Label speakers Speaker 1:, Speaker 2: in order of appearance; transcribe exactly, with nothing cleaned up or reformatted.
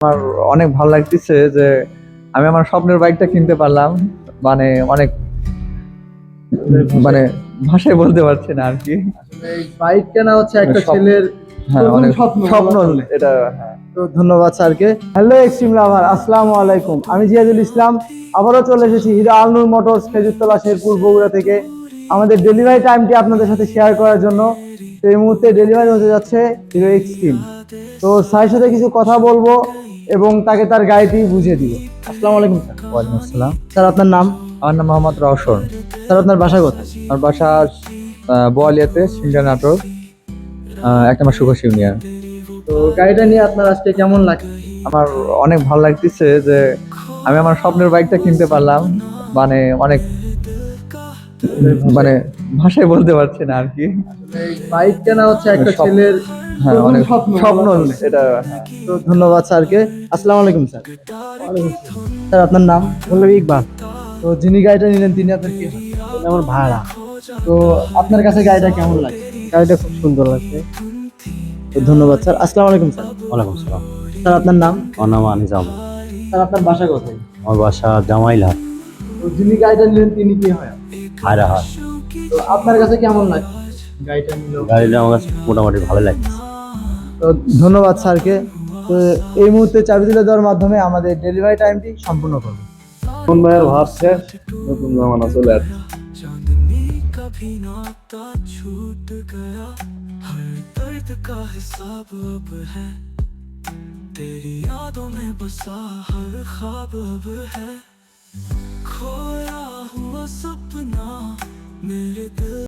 Speaker 1: আমার অনেক ভালো লাগতেছে যে আমি আমার স্বপ্নের বাইকটা কিনতে পারলাম। মানে অনেক মানে ভাষায় বলতে পারছি না আর কি।
Speaker 2: এই বাইক কেনা হচ্ছে একটা
Speaker 1: স্বপ্ন।
Speaker 2: ছেলের
Speaker 1: হ্যাঁ,
Speaker 2: প্রথম
Speaker 1: অনেক
Speaker 2: স্বপ্ন
Speaker 1: স্বপ্ন
Speaker 2: বলা চলে।
Speaker 1: এটা। হ্যাঁ,
Speaker 2: তো ধন্যবাদ স্যারকে। হ্যালো এক্সট্রিম লাভার, আসসালামু আলাইকুম। আমি জিয়াদুল ইসলাম, আবারও চলে এসেছি হিরো আলনুর মোটরস খেজুরতলা শেরপুর বগুড়া থেকে আমাদের ডেলিভারি টাইমটি আপনাদের সাথে শেয়ার করার জন্য। তো এই মুহূর্তে ডেলিভারি হতে যাচ্ছে হিরো এক্সট্রিম। তো স্যারের সাথে কিছু কথা বলবো এবং তাকে তার গাড়িটি বুঝিয়ে দিব। আসসালামু আলাইকুম স্যার।
Speaker 1: ওয়ালাইকুম আসসালাম।
Speaker 2: স্যার আপনার নাম?
Speaker 1: আমার নাম মোহাম্মদ রওশন।
Speaker 2: স্যার আপনার বাসা কোথায়?
Speaker 1: আমার বাসা আহ, বোয়ালিয়াতে, সিংড়া নাটোর, আহ, এক নম্বর সুভাষ ইউনিয়ন।
Speaker 2: তো গাড়িটা নিয়ে আপনার আজকে কেমন লাগে?
Speaker 1: আমার অনেক ভালো লাগতেছে যে আমি আমার স্বপ্নের বাইকটা কিনতে পারলাম। মানে অনেক মানে ভাষায় বলতে পারছি না আর কি।
Speaker 2: এই বাইক কেনা হচ্ছে একটা
Speaker 1: স্বপ্ন।
Speaker 2: ছেলের
Speaker 1: হ্যাঁ,
Speaker 2: প্রথম
Speaker 1: অনেক
Speaker 2: স্বপ্ন
Speaker 1: স্বপ্ন
Speaker 2: বলা চলে।
Speaker 1: এটা। হ্যাঁ।
Speaker 2: তো ধন্যবাদ স্যারকে। আসসালামু আলাইকুম স্যার। স্যার আপনার নাম?
Speaker 3: পল্লবী ইকবাল।
Speaker 2: তো যিনি গাড়িটা নিলেন তিনি আপনার কি হয়?
Speaker 3: এটা আমার ভাড়া।
Speaker 2: তো আপনার কাছে গাড়িটা কেমন লাগে?
Speaker 3: গাড়িটা খুব সুন্দর লাগছে।
Speaker 2: তো ধন্যবাদ স্যার। আসসালামু আলাইকুম স্যার।
Speaker 3: ওয়ালাইকুম সালাম।
Speaker 2: স্যার আপনার নাম?
Speaker 3: আমার নাম আনিস আহমেদ।
Speaker 2: স্যার আপনার বাসা কোথায়?
Speaker 3: আমার বাসা জামাইলহাট,
Speaker 2: তো যিনি গাড়িটা নিলেন তিনি কি হয়?
Speaker 3: হায়রাহাট।
Speaker 2: তো আপনার কাছে কেমন লাগে গাড়িটা নিল?
Speaker 3: গাড়িটা আমার কাছে মোটামুটি ভালো লাগছে।
Speaker 2: তো ধন্যবাদ স্যারকে। তো এই মুহূর্তে চাবি তুলে দেওয়ার মাধ্যমে আমাদের ডেলিভারি টাইমটি সম্পূর্ণ করবো।
Speaker 1: নতুন ভাইয়ের ভাব শেষ, নতুন জামানা চলে আসছে।
Speaker 4: चांदनी कभी नाता छूट गया, हर दर्द का हिसाब अब है, तेरी यादों में बसा हर ख्वाब अब है, खोया हुआ सपना मेरे दिल